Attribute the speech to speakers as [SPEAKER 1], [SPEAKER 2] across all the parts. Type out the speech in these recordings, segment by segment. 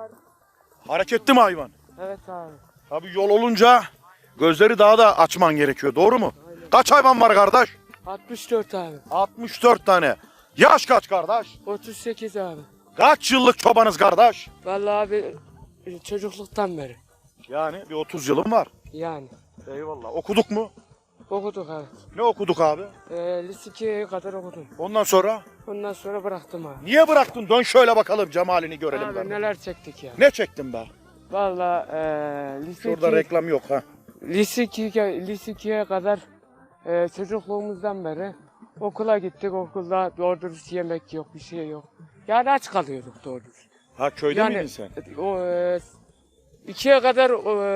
[SPEAKER 1] Hareketli mi hayvan?
[SPEAKER 2] Evet abi.
[SPEAKER 1] Tabii yol olunca gözleri daha da açman gerekiyor. Doğru mu?
[SPEAKER 2] Aynen.
[SPEAKER 1] Kaç hayvan var kardeş?
[SPEAKER 2] 64 abi.
[SPEAKER 1] 64 tane. Yaş kaç kardeş?
[SPEAKER 2] 38 abi.
[SPEAKER 1] Kaç yıllık çobanız kardeş?
[SPEAKER 2] Vallahi abi çocukluktan beri.
[SPEAKER 1] Yani bir 30 yılım var.
[SPEAKER 2] Yani.
[SPEAKER 1] Eyvallah. Okuduk mu?
[SPEAKER 2] Okuduk evet.
[SPEAKER 1] Ne okuduk abi?
[SPEAKER 2] Lise 2'ye kadar okudum.
[SPEAKER 1] Ondan sonra?
[SPEAKER 2] Ondan sonra bıraktım abi.
[SPEAKER 1] Niye bıraktın? Dön şöyle bakalım cemalini görelim.
[SPEAKER 2] Abi
[SPEAKER 1] kardeş.
[SPEAKER 2] neler çektik ya.
[SPEAKER 1] Ne çektin be?
[SPEAKER 2] Vallahi lise
[SPEAKER 1] Şurada
[SPEAKER 2] 2,
[SPEAKER 1] reklam yok ha.
[SPEAKER 2] lise 2'ye kadar çocukluğumuzdan beri okula gittik. Okulda doğru dürüst yemek yok, bir şey yok. Yani aç kalıyorduk doğru dürüst.
[SPEAKER 1] Ha köyde
[SPEAKER 2] Yani
[SPEAKER 1] miydin sen?
[SPEAKER 2] o 2'ye kadar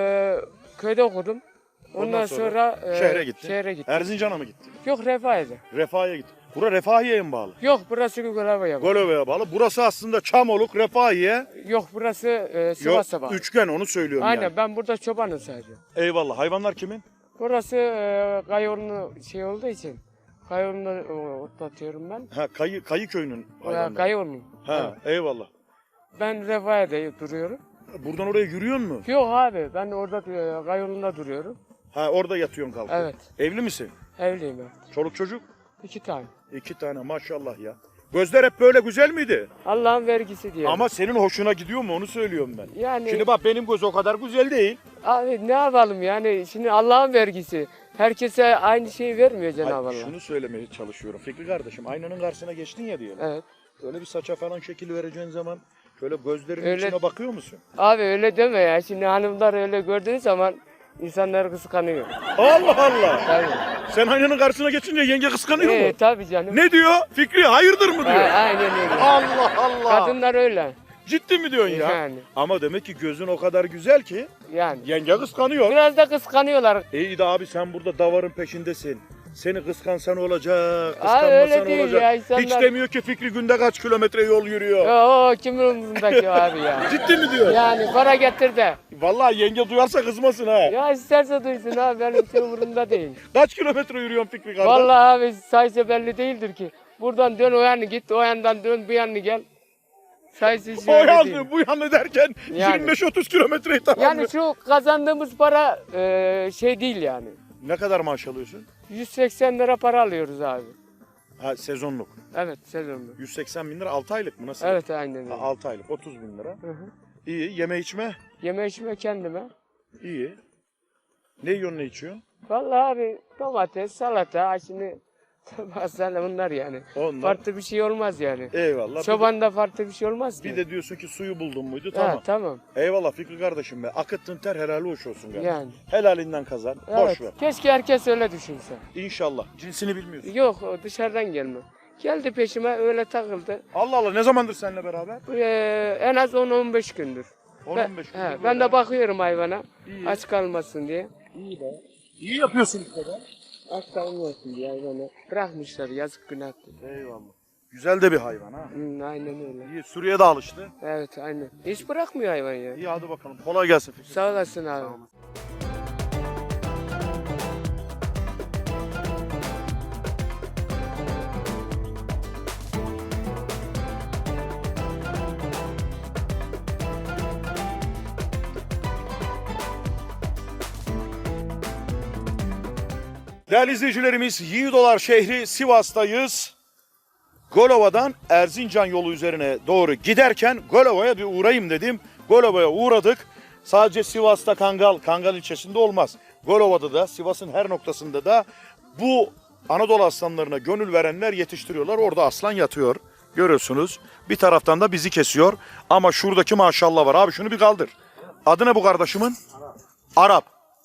[SPEAKER 2] köyde okudum. Ondan
[SPEAKER 1] sonra
[SPEAKER 2] sonra
[SPEAKER 1] şehre gittin.
[SPEAKER 2] Şehre gittim.
[SPEAKER 1] Erzincan'a mı gittin?
[SPEAKER 2] Yok Refahiye'de.
[SPEAKER 1] Refahiye gittin. Bura Refahiye'ye mi bağlı?
[SPEAKER 2] Yok burası Göleve'ye.
[SPEAKER 1] Golove'ye bağlı. Burası aslında Çamoluk, Refahiye.
[SPEAKER 2] Yok burası
[SPEAKER 1] Yok,
[SPEAKER 2] Sivas'a bağlı.
[SPEAKER 1] üçgen onu söylüyorum
[SPEAKER 2] Aynen
[SPEAKER 1] yani.
[SPEAKER 2] ben burada çobanım sadece.
[SPEAKER 1] Eyvallah. Hayvanlar kimin?
[SPEAKER 2] Burası Kayıoğlu'nu şey olduğu için Kayıoğlu'nu otlatıyorum ben.
[SPEAKER 1] Ha Kayı köyünün hayvanları.
[SPEAKER 2] Kayıoğlu'nun.
[SPEAKER 1] Ha eyvallah.
[SPEAKER 2] Ben Refahiye'de duruyorum.
[SPEAKER 1] Buradan oraya yürüyor mu?
[SPEAKER 2] Yok abi ben orada Kayıoğlu'nda duruyorum.
[SPEAKER 1] Ha orada yatıyorsun kalkıyorsun.
[SPEAKER 2] Evet.
[SPEAKER 1] Evli misin?
[SPEAKER 2] Evliyim ben.
[SPEAKER 1] Çoluk çocuk?
[SPEAKER 2] 2 tane.
[SPEAKER 1] 2 tane maşallah ya. Gözler hep böyle güzel miydi?
[SPEAKER 2] Allah'ın vergisi diye.
[SPEAKER 1] Ama senin hoşuna gidiyor mu onu söylüyorum ben.
[SPEAKER 2] yani
[SPEAKER 1] Şimdi bak benim göz o kadar güzel değil.
[SPEAKER 2] abi ne yapalım yani şimdi Allah'ın vergisi. Herkese aynı şeyi vermiyor Cenab-ı Allah.
[SPEAKER 1] Hayır, şunu söylemeye çalışıyorum Fikri kardeşim. Aynanın karşısına geçtin ya diyelim.
[SPEAKER 2] Evet.
[SPEAKER 1] Öyle bir saça falan şekil vereceğin zaman şöyle gözlerinin
[SPEAKER 2] Öyle-
[SPEAKER 1] içine bakıyor musun?
[SPEAKER 2] Abi öyle deme ya. Şimdi hanımlar öyle gördüğü zaman insanlar kıskanıyor.
[SPEAKER 1] Allah Allah.
[SPEAKER 2] Tabii.
[SPEAKER 1] Sen aynanın karşısına geçince yenge kıskanıyor mu?
[SPEAKER 2] Tabii canım.
[SPEAKER 1] Ne diyor? Fikri hayırdır mı diyor?
[SPEAKER 2] Aynen öyle.
[SPEAKER 1] Allah Allah.
[SPEAKER 2] Kadınlar öyle.
[SPEAKER 1] Ciddi mi diyorsun ya?
[SPEAKER 2] Yani.
[SPEAKER 1] Ama demek ki gözün o kadar güzel ki
[SPEAKER 2] Yani.
[SPEAKER 1] yenge kıskanıyor.
[SPEAKER 2] Biraz da kıskanıyorlar.
[SPEAKER 1] İyi de abi sen burada davarın peşindesin. Seni kıskansan olacak,
[SPEAKER 2] Abi öyle
[SPEAKER 1] kıskanmasan
[SPEAKER 2] değil
[SPEAKER 1] olacak.
[SPEAKER 2] ya, insanlar-
[SPEAKER 1] Hiç demiyor ki Fikri günde kaç kilometre yol yürüyor.
[SPEAKER 2] O kimin umurundaki abi ya.
[SPEAKER 1] Ciddi mi diyor?
[SPEAKER 2] Yani para getir de.
[SPEAKER 1] Vallahi yenge duyarsa kızmasın ha.
[SPEAKER 2] Ya isterse duysun abi benim için umurumda değil.
[SPEAKER 1] Kaç kilometre yürüyorsun Fikri kardeş?
[SPEAKER 2] Vallahi abi sayısı belli değildir ki. Buradan dön o yana git, o yandan dön bu yana gel. Sayısı hiç
[SPEAKER 1] O
[SPEAKER 2] belli değil.
[SPEAKER 1] yandı bu yandı derken
[SPEAKER 2] Yani.
[SPEAKER 1] 25-30 kilometreyi tamamlıyor.
[SPEAKER 2] Yani şu kazandığımız para şey değil yani.
[SPEAKER 1] Ne kadar maaş alıyorsun?
[SPEAKER 2] 180 lira para alıyoruz abi.
[SPEAKER 1] Ha sezonluk.
[SPEAKER 2] Evet sezonlu.
[SPEAKER 1] 180 bin lira 6 aylık mı nasıl?
[SPEAKER 2] Evet aynen öyle.
[SPEAKER 1] 6 aylık 30 bin lira.
[SPEAKER 2] Hı hı.
[SPEAKER 1] İyi yeme içme
[SPEAKER 2] Yeme içme kendime.
[SPEAKER 1] iyi. Ne yiyorsun ne içiyorsun?
[SPEAKER 2] Vallahi abi domates, salata, şimdi bazen bunlar yani.
[SPEAKER 1] Onlar.
[SPEAKER 2] Farklı bir şey olmaz yani.
[SPEAKER 1] Eyvallah.
[SPEAKER 2] Çobanda farklı bir şey olmaz ki.
[SPEAKER 1] Bir de diyorsun ki suyu buldun muydu
[SPEAKER 2] Ha,
[SPEAKER 1] tamam.
[SPEAKER 2] tamam.
[SPEAKER 1] Eyvallah Fikri kardeşim be. Akıttın ter helali hoş olsun kardeşim.
[SPEAKER 2] Yani.
[SPEAKER 1] Helalinden kazan.
[SPEAKER 2] Evet.
[SPEAKER 1] Boş ver.
[SPEAKER 2] Keşke herkes öyle düşünse.
[SPEAKER 1] İnşallah. Cinsini bilmiyorsun.
[SPEAKER 2] Yok o dışarıdan gelme. Geldi peşime öyle takıldı.
[SPEAKER 1] Allah Allah ne zamandır seninle beraber?
[SPEAKER 2] En az 10-15 gündür.
[SPEAKER 1] 10-15
[SPEAKER 2] He,
[SPEAKER 1] gündür.
[SPEAKER 2] ben de bakıyorum hayvana.
[SPEAKER 1] İyi.
[SPEAKER 2] Aç kalmasın diye.
[SPEAKER 1] İyi be. İyi yapıyorsun bu kadar.
[SPEAKER 2] Aç kalmasın diye hayvana. Bırakmışlar yazık günah.
[SPEAKER 1] Eyvallah. Güzel de bir hayvan ha.
[SPEAKER 2] Aynen öyle.
[SPEAKER 1] İyi Suriye de alıştı.
[SPEAKER 2] Evet aynen. Hiç bırakmıyor hayvan ya.
[SPEAKER 1] İyi hadi bakalım. Kolay gelsin Fikri.
[SPEAKER 2] Sağ olasın abi.
[SPEAKER 1] Değerli izleyicilerimiz Yiğidolar şehri Sivas'tayız. Golova'dan Erzincan yolu üzerine doğru giderken Golova'ya bir uğrayayım dedim. Golova'ya uğradık. Sadece Sivas'ta Kangal ilçesinde olmaz. Golova'da da Sivas'ın her noktasında da bu Anadolu aslanlarına gönül verenler yetiştiriyorlar. Orada aslan yatıyor. Görüyorsunuz. Bir taraftan da bizi kesiyor. Ama şuradaki maşallah var. Abi şunu bir kaldır. Adı ne bu kardeşimin? Arap.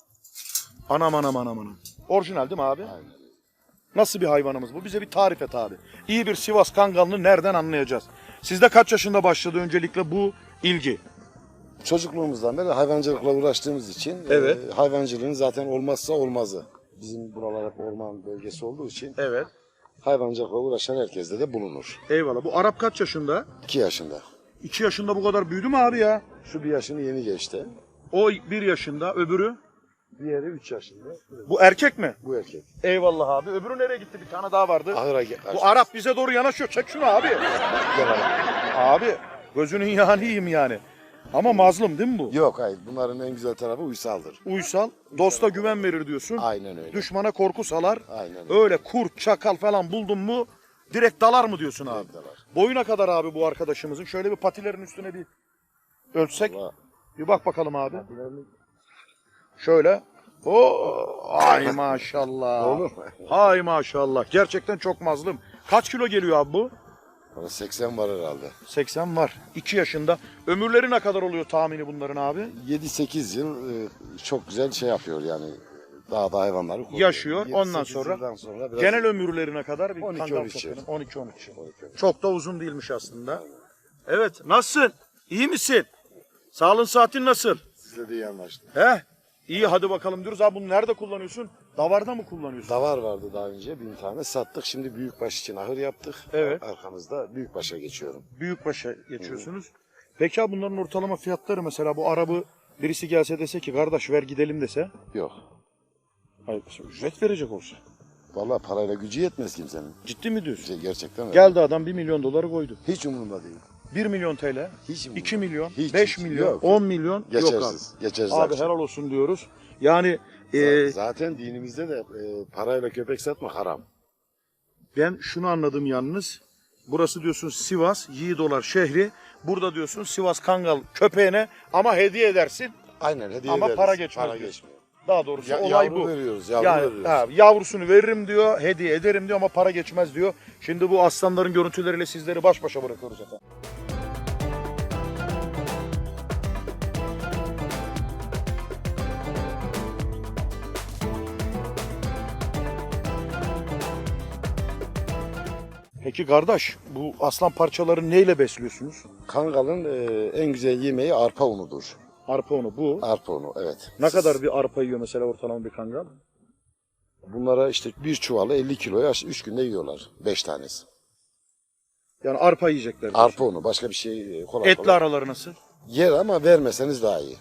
[SPEAKER 1] Anam. Orijinal değil mi abi? Aynen. Nasıl bir hayvanımız bu? Bize bir tarif et abi. İyi bir Sivas Kangalını nereden anlayacağız? Sizde kaç yaşında başladı öncelikle bu ilgi?
[SPEAKER 3] Çocukluğumuzdan beri hayvancılıkla uğraştığımız için
[SPEAKER 1] Evet.
[SPEAKER 3] hayvancılığın zaten olmazsa olmazı. Bizim buralar hep orman bölgesi olduğu için
[SPEAKER 1] Evet.
[SPEAKER 3] hayvancılıkla uğraşan herkeste de bulunur.
[SPEAKER 1] Eyvallah. Bu Arap kaç yaşında?
[SPEAKER 3] 2 yaşında.
[SPEAKER 1] 2 yaşında bu kadar büyüdü mü abi ya?
[SPEAKER 3] Şu 1 yaşını yeni geçti.
[SPEAKER 1] O 1 yaşında, öbürü?
[SPEAKER 3] Diğeri 3 yaşında.
[SPEAKER 1] Bu erkek mi?
[SPEAKER 3] Bu erkek.
[SPEAKER 1] Eyvallah abi. Öbürü nereye gitti? Bir tane daha vardı.
[SPEAKER 3] Ahıra
[SPEAKER 1] Bu Arap bize doğru yanaşıyor. Çek şunu abi. Abi gözünün yağını yiyeyim yani. Ama mazlum değil mi bu?
[SPEAKER 3] Yok hayır. Bunların en güzel tarafı uysaldır.
[SPEAKER 1] Uysal, dosta güven verir diyorsun.
[SPEAKER 3] Aynen öyle.
[SPEAKER 1] Düşmana korku salar.
[SPEAKER 3] Aynen öyle.
[SPEAKER 1] Öyle kurt, çakal falan buldun mu direkt dalar mı diyorsun abi?
[SPEAKER 3] Direkt dalar.
[SPEAKER 1] Boyuna kadar abi bu arkadaşımızın. Şöyle bir patilerin üstüne bir ölçsek.
[SPEAKER 3] Vallahi
[SPEAKER 1] Bir bak bakalım abi. Şöyle. Ay maşallah.
[SPEAKER 3] Olur.
[SPEAKER 1] Ay maşallah. Gerçekten çok mazlum. Kaç kilo geliyor abi bu?
[SPEAKER 3] Bana 80 var herhalde.
[SPEAKER 1] 80 var. 2 yaşında. Ömürleri ne kadar oluyor tahmini bunların abi?
[SPEAKER 3] 7-8 yıl çok güzel şey yapıyor yani. Dağda hayvanları koruyor.
[SPEAKER 1] Yaşıyor, ondan
[SPEAKER 3] 7-8
[SPEAKER 1] sonra
[SPEAKER 3] yıldan sonra biraz
[SPEAKER 1] Genel ömürlerine kadar bir
[SPEAKER 3] 12-13
[SPEAKER 1] kangal
[SPEAKER 3] yıl.
[SPEAKER 1] satının. 12-13 yıl.
[SPEAKER 3] 12.
[SPEAKER 1] Çok da uzun değilmiş aslında. Evet. Nasılsın? İyi misin? Sağlığın saatin nasıl?
[SPEAKER 3] Sizle de iyi anlaştık.
[SPEAKER 1] He? İyi hadi bakalım diyoruz. Abi bunu nerede kullanıyorsun? Davarda mı kullanıyorsun?
[SPEAKER 3] Davar vardı daha önce 1000 tane sattık. Şimdi büyükbaş için ahır yaptık.
[SPEAKER 1] Evet.
[SPEAKER 3] Arkamızda büyükbaşa geçiyorum.
[SPEAKER 1] Büyükbaş'a geçiyorsunuz. Peki abi bunların ortalama fiyatları mesela bu arabı birisi gelse dese ki kardeş ver gidelim dese.
[SPEAKER 3] Yok.
[SPEAKER 1] Hayır ücret verecek olsa.
[SPEAKER 3] Vallahi parayla gücü yetmez kimsenin.
[SPEAKER 1] Ciddi mi diyorsun?
[SPEAKER 3] Gerçekten öyle.
[SPEAKER 1] Geldi adam 1 milyon doları koydu.
[SPEAKER 3] Hiç umurumda değil.
[SPEAKER 1] 1 milyon TL,
[SPEAKER 3] Hiç umurumda.
[SPEAKER 1] 2 milyon,
[SPEAKER 3] Hiç,
[SPEAKER 1] 5
[SPEAKER 3] hiç.
[SPEAKER 1] milyon,
[SPEAKER 3] Yok.
[SPEAKER 1] 10 milyon yok abi.
[SPEAKER 3] Geçersiz. Geçersiz.
[SPEAKER 1] Abi
[SPEAKER 3] akşam.
[SPEAKER 1] helal olsun diyoruz. Yani
[SPEAKER 3] Zaten dinimizde de parayla köpek satmak haram.
[SPEAKER 1] ben şunu anladım yalnız. Burası diyorsun Sivas, Yiğidolar şehri. Burada diyorsun Sivas Kangal köpeğine ama hediye edersin.
[SPEAKER 3] Aynen hediye
[SPEAKER 1] Ama
[SPEAKER 3] ederiz.
[SPEAKER 1] para geçmez
[SPEAKER 3] Para
[SPEAKER 1] diyorsun.
[SPEAKER 3] geçmiyor.
[SPEAKER 1] Daha doğrusu olay
[SPEAKER 3] Yavru
[SPEAKER 1] bu.
[SPEAKER 3] veriyoruz. Yavru
[SPEAKER 1] Yani
[SPEAKER 3] veriyoruz.
[SPEAKER 1] ha, yavrusunu veririm diyor, hediye ederim diyor ama para geçmez diyor. Şimdi bu aslanların görüntüleriyle sizleri baş başa bırakıyoruz efendim. Peki kardeş, bu aslan parçaları neyle besliyorsunuz?
[SPEAKER 3] Kangalın en güzel yemeği arpa unudur.
[SPEAKER 1] Arpa unu bu.
[SPEAKER 3] Arpa unu evet.
[SPEAKER 1] Ne kadar bir arpa yiyor mesela ortalama bir kangal?
[SPEAKER 3] Bunlara işte bir çuvalı 50 kiloya 3 günde yiyorlar. 5 tanesi.
[SPEAKER 1] Yani arpa yiyecekler.
[SPEAKER 3] Arpa unu başka bir şey kolay
[SPEAKER 1] Etli
[SPEAKER 3] kolay.
[SPEAKER 1] araları nasıl?
[SPEAKER 3] Yer ama vermeseniz daha iyi.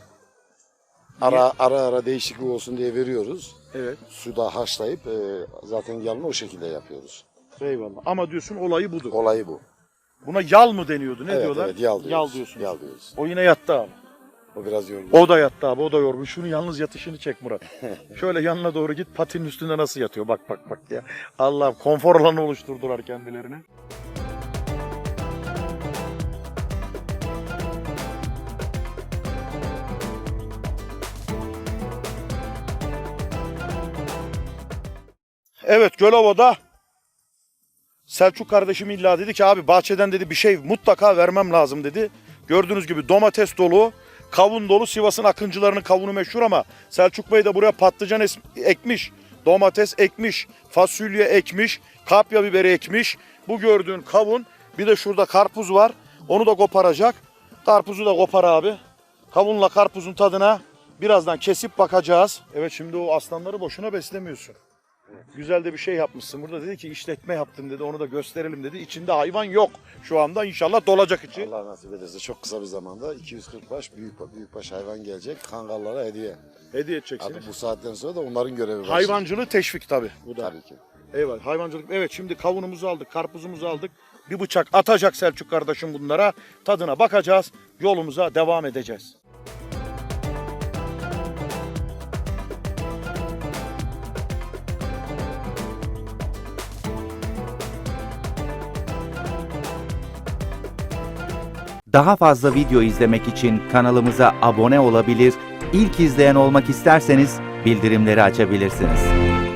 [SPEAKER 3] Ara değişiklik olsun diye veriyoruz.
[SPEAKER 1] Evet.
[SPEAKER 3] Suda haşlayıp zaten yalını o şekilde yapıyoruz.
[SPEAKER 1] Eyvallah. Ama diyorsun olayı budur.
[SPEAKER 3] Olayı bu.
[SPEAKER 1] Buna yal mı deniyordu? Ne
[SPEAKER 3] Evet,
[SPEAKER 1] diyorlar?
[SPEAKER 3] evet, yal diyoruz.
[SPEAKER 1] Yal diyorsunuz.
[SPEAKER 3] Yal diyoruz.
[SPEAKER 1] O yine yattı abi.
[SPEAKER 3] O biraz yorgun.
[SPEAKER 1] O da yattı abi. O da yorgun. Şunu yalnız yatışını çek Murat. Şöyle yanına doğru git. Patinin üstünde nasıl yatıyor? Bak bak bak ya. Allah konfor alanı oluşturdular kendilerine. Evet Gölova'da Selçuk kardeşim illa dedi ki abi bahçeden dedi bir şey mutlaka vermem lazım dedi. Gördüğünüz gibi domates dolu, kavun dolu. Sivas'ın akıncılarının kavunu meşhur ama Selçuk Bey de buraya patlıcan ekmiş, domates ekmiş, fasulye ekmiş, kapya biberi ekmiş. Bu gördüğün kavun, bir de şurada karpuz var. Onu da koparacak. Karpuzu da kopar abi. Kavunla karpuzun tadına birazdan kesip bakacağız. Evet şimdi o aslanları boşuna beslemiyorsun. Güzel de bir şey yapmışsın. Burada dedi ki işletme yaptım dedi. Onu da gösterelim dedi. İçinde hayvan yok. Şu anda inşallah dolacak içi.
[SPEAKER 3] Allah nasip ederse çok kısa bir zamanda 240 baş büyükbaş hayvan gelecek. Kangallara hediye.
[SPEAKER 1] Hediye edeceksin.
[SPEAKER 3] Artık bu saatten sonra da onların görevi var.
[SPEAKER 1] Hayvancılığı teşvik tabii. Bu da.
[SPEAKER 3] Tabii ki.
[SPEAKER 1] Eyvallah. Hayvancılık. Evet şimdi kavunumuzu aldık, karpuzumuzu aldık. Bir bıçak atacak Selçuk kardeşim bunlara. Tadına bakacağız. Yolumuza devam edeceğiz.
[SPEAKER 4] Daha fazla video izlemek için kanalımıza abone olabilir, ilk izleyen olmak isterseniz bildirimleri açabilirsiniz.